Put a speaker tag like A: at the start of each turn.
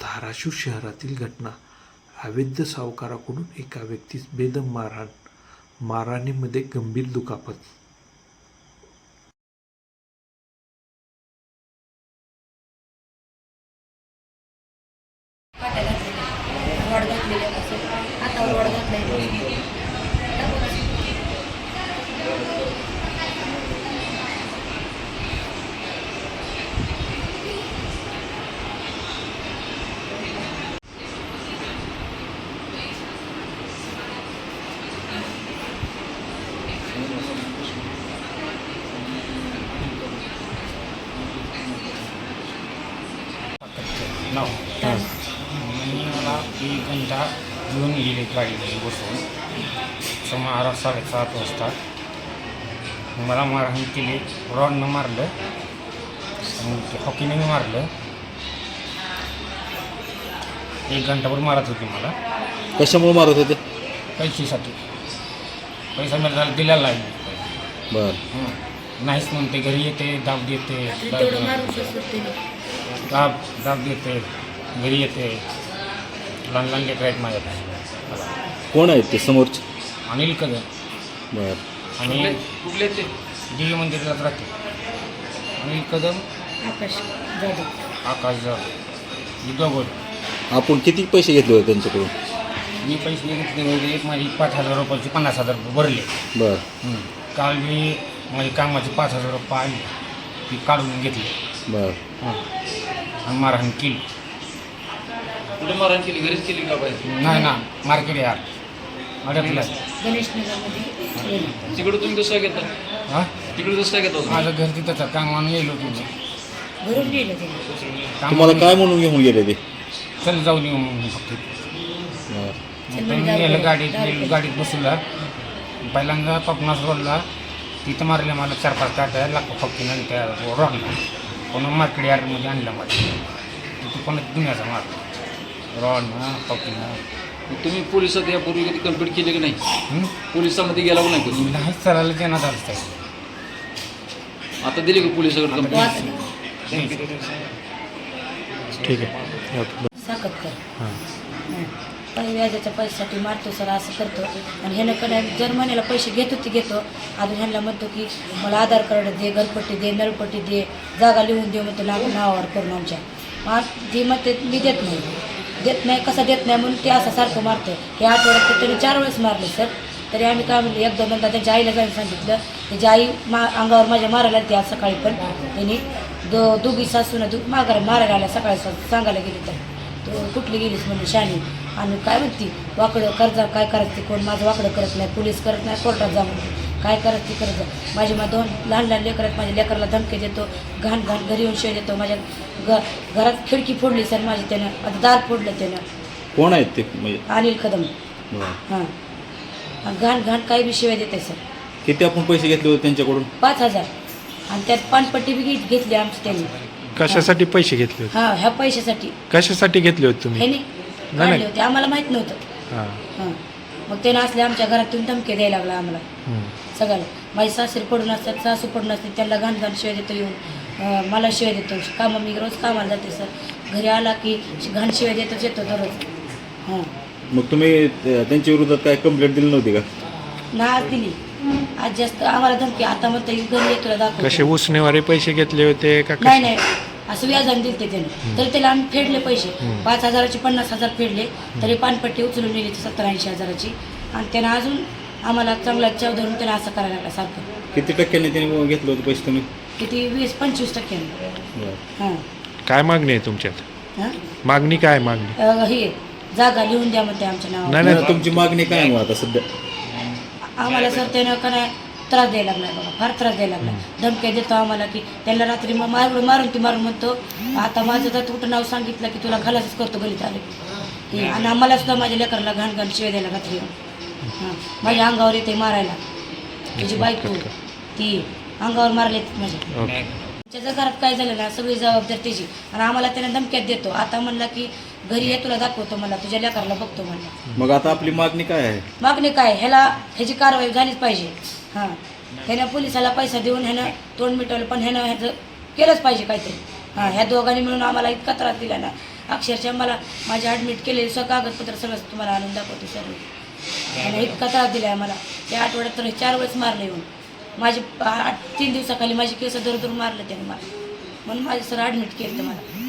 A: धाराशिव शहरातील घटना. अवैध सावकाराकडून एका व्यक्तीस बेदम मारहाण, मारहाणीमध्ये गंभीर दुखापत.
B: नाव मला 1 घंटा घेऊन गेले गाडीमध्ये बसून सुमारे 7:30 वाजता. मला मारहाण केली, रॉडनं मारलं, हॉकीने मारलं. 1 घंटाभर मारत होते मला.
C: कशामुळे मारत होते?
B: पैशासाठी. पैसा मला दिलेला नाही.
C: बरं.
B: नाहीच म्हणते, घरी येते, दाब देते, दाब देते, घरी येते. लहान लहान लेकरं आहेत माझ्याकडे.
C: कोण आहेत ते समोरचे?
B: अनिल कदम.
C: बरं.
B: आणि
D: कुठले ते
B: देवी मंदिरात राहते. अनिल कदम, आकाश जाधव, दगड.
C: आपण किती पैसे घेतले होते त्यांच्याकडून?
B: मी पैसे घेतले होते, माझी 5,000 रुपयाची 50,000 रुपये भरले.
C: बरं.
B: काल मी माझी कामाचे 5,000 रुपये आले, ती काढून घेतली.
C: बरं.
B: आणि मारहाण केली.
D: कुठे मारहाण केली? घरीच केली का बाहेर?
B: नाही ना, मार्केट यार अडकलं.
D: तिकडे तुम्ही कसं घेता?
B: हां,
D: तिकडे कसं घेता?
B: माझं घर तिथं कामानं गेलो तुम्ही.
C: तुम्हाला काय म्हणून घेऊन गेले ते?
B: चल जाऊन येऊ म्हणून फक्त.
C: बरं.
B: मग मी गेलं गाडीत बसला. पहिल्यांदा पपनास रोडला तिथं मारले मला 4-5 काट्या लाखो फक्तीनं आणि त्या रॉडला. पुन्हा मार्केट यार्डमध्ये आणलं मला. तिथे पण दुनियाचा मार रॉडनं फक्तीनं.
D: तुम्ही पोलिसात यापूर्वी कधी कंप्लेंट केली की नाही? पोलिसांमध्ये गेला का नाही कधी?
B: नाहीच चालायला देण्यात आलं काय.
D: आता दिली का पोलिसाकडे कंप्लेंट?
A: ठीक आहे.
E: साखर काही व्याजाच्या पैशासाठी मारतो सर, असं करतो. आणि ह्यानं जर महिन्याला पैसे घेतो अजून ह्यांना म्हणतो की मला आधार कार्ड दे, घरपट्टी दे, नळपट्टी दे, जागा लिहून दे म्हणतो नावावर करून आमच्या. मग ती म्हणते मी देत नाही, कसं देत नाही म्हणून ते असं सारखं मारतं. हे आठवड्यात त्याने 4 वेळेस मारले सर. तरी आम्ही काय म्हणलं, 1-2दा त्यांच्या आईला जाऊन सांगितलं. त्याची आई अंगावर माझ्या मारायला ते आज सकाळी पण त्यांनी दोघी सासून मारायला आल्या. सकाळी सांगायला गेली तर तो कुठली गेलीस म्हणजे शानी. आणि काय म्हणती वाकडं कर्जा काय करायचं, कोण माझं वाकडं करत नाही, पोलीस करत नाही, कोर्टात जा म्हणते. काय करत ती करत जा. माझी 2 लहान लहान लेकरं आहेत, माझ्या लेकराला धमकी देतो, घाण घरी येऊन शिवाय देतो. माझ्या घरात खिडकी फोडली सर माझी त्यानं, आता दार फोडलं त्यानं.
C: कोण आहेत ते म्हणजे?
E: अनिल कदम.
C: बरं.
E: हां, घाण काही बी शिवाय देते सर.
C: किती आपण पैसे घेतले होते त्यांच्याकडून?
E: 5,000. आणि त्यात पानपट्टी बी घेतली आमची त्यांनी.
A: कशासाठी पैसे घेतले होते?
E: हां, ह्या पैशासाठी.
A: कशासाठी घेतले होते तुम्ही?
E: ह्यानी काढले होते, आम्हाला माहीत नव्हतं.
A: हां.
E: हां, मग त्यानं असले आमच्या घरात येऊन धमके द्यायला लागला आम्हाला सगळ्याला. माझी सासरी पडून असतात, सासू पडून असते, त्यांना घाण शिवाय देतो येऊन. मला शिवाय देतो. कामं मी रोज कामाला जाते सर. घरी आला की घाण शिवाय देतोच येतो दररोज. हां.
C: मग तुम्ही त्यांच्या विरोधात काय कंप्लेंट दिली नव्हती का?
E: ना आज दिली. आज जास्त आम्हाला धमकी. आता म्हणतो घरी येतो तुला दाखव.
A: कसे उसनेवारे पैसे घेतले होते का?
E: नाही, असं व्याजाने दिलते त्याने. तरी त्याला आम्ही फेडले पैसे. 5,000चे 50,000 फेडले. तरी पानपट्टी उचलून नेली 70-80 हजाराची. आणि त्यानं अजून आम्हाला चांगला चव धरून त्याला असं करायला लागला सारखं.
C: किती टक्क्याने त्यांनी घेतलं होतं पैसे तुम्ही?
E: किती 20-25%.
C: बरं.
E: हां.
A: काय मागणी आहे तुमच्यात?
E: हां,
A: मागणी काय मागणी?
E: हे जागा लिहून द्या म्हणते आमच्या नावावर.
A: नाही.
C: तुमची मागणी काय मग आता सध्या?
E: आम्हाला सर त्यानं का नाही त्रास द्यायला लागला बघा, फार त्रास द्यायला लागला. धमक्या देतो आम्हाला की त्यांना रात्री मग मारून म्हणतो आता माझं तर कुठं नाव सांगितलं की तुला खलासच करतो गलीत आले. आणि आम्हाला सुद्धा माझ्या लेकराला घाण शिवाय द्यायला रात्री. हां, माझ्या अंगावर येते मारायला. तुझी बायको ती अंगावर मारले माझ्या. त्याच्या घरात काय झालं ना सगळी जबाबदारी त्याची. आणि आम्हाला त्याने धमक्यात देतो. आता म्हणला की घरी ये तुला दाखवतो, मला तुझ्या लेकराला बघतो म्हणला.
C: मग आता आपली मागणी काय आहे?
E: मागणी काय, ह्याची कारवाई झालीच पाहिजे. हां, ह्यानं पोलिसाला पैसा देऊन ह्यानं तोंड मिटवलं, पण ह्यानं ह्याचं केलंच पाहिजे काहीतरी. हां ह्या दोघांनी मिळून आम्हाला इतका त्रास दिला ना, अक्षरशः मला माझे ॲडमिट केले कागदपत्र सगळं तुम्हाला आणून दाखवतो सर. त्याने इतका त्रास दिला आहे मला. त्या आठवड्यात तर 4 वेळेस मारलं येऊन. माझे 3 दिवसाखाली माझी केस दर मारलं त्याने मला, म्हणून माझे सर ॲडमिट केलं मला.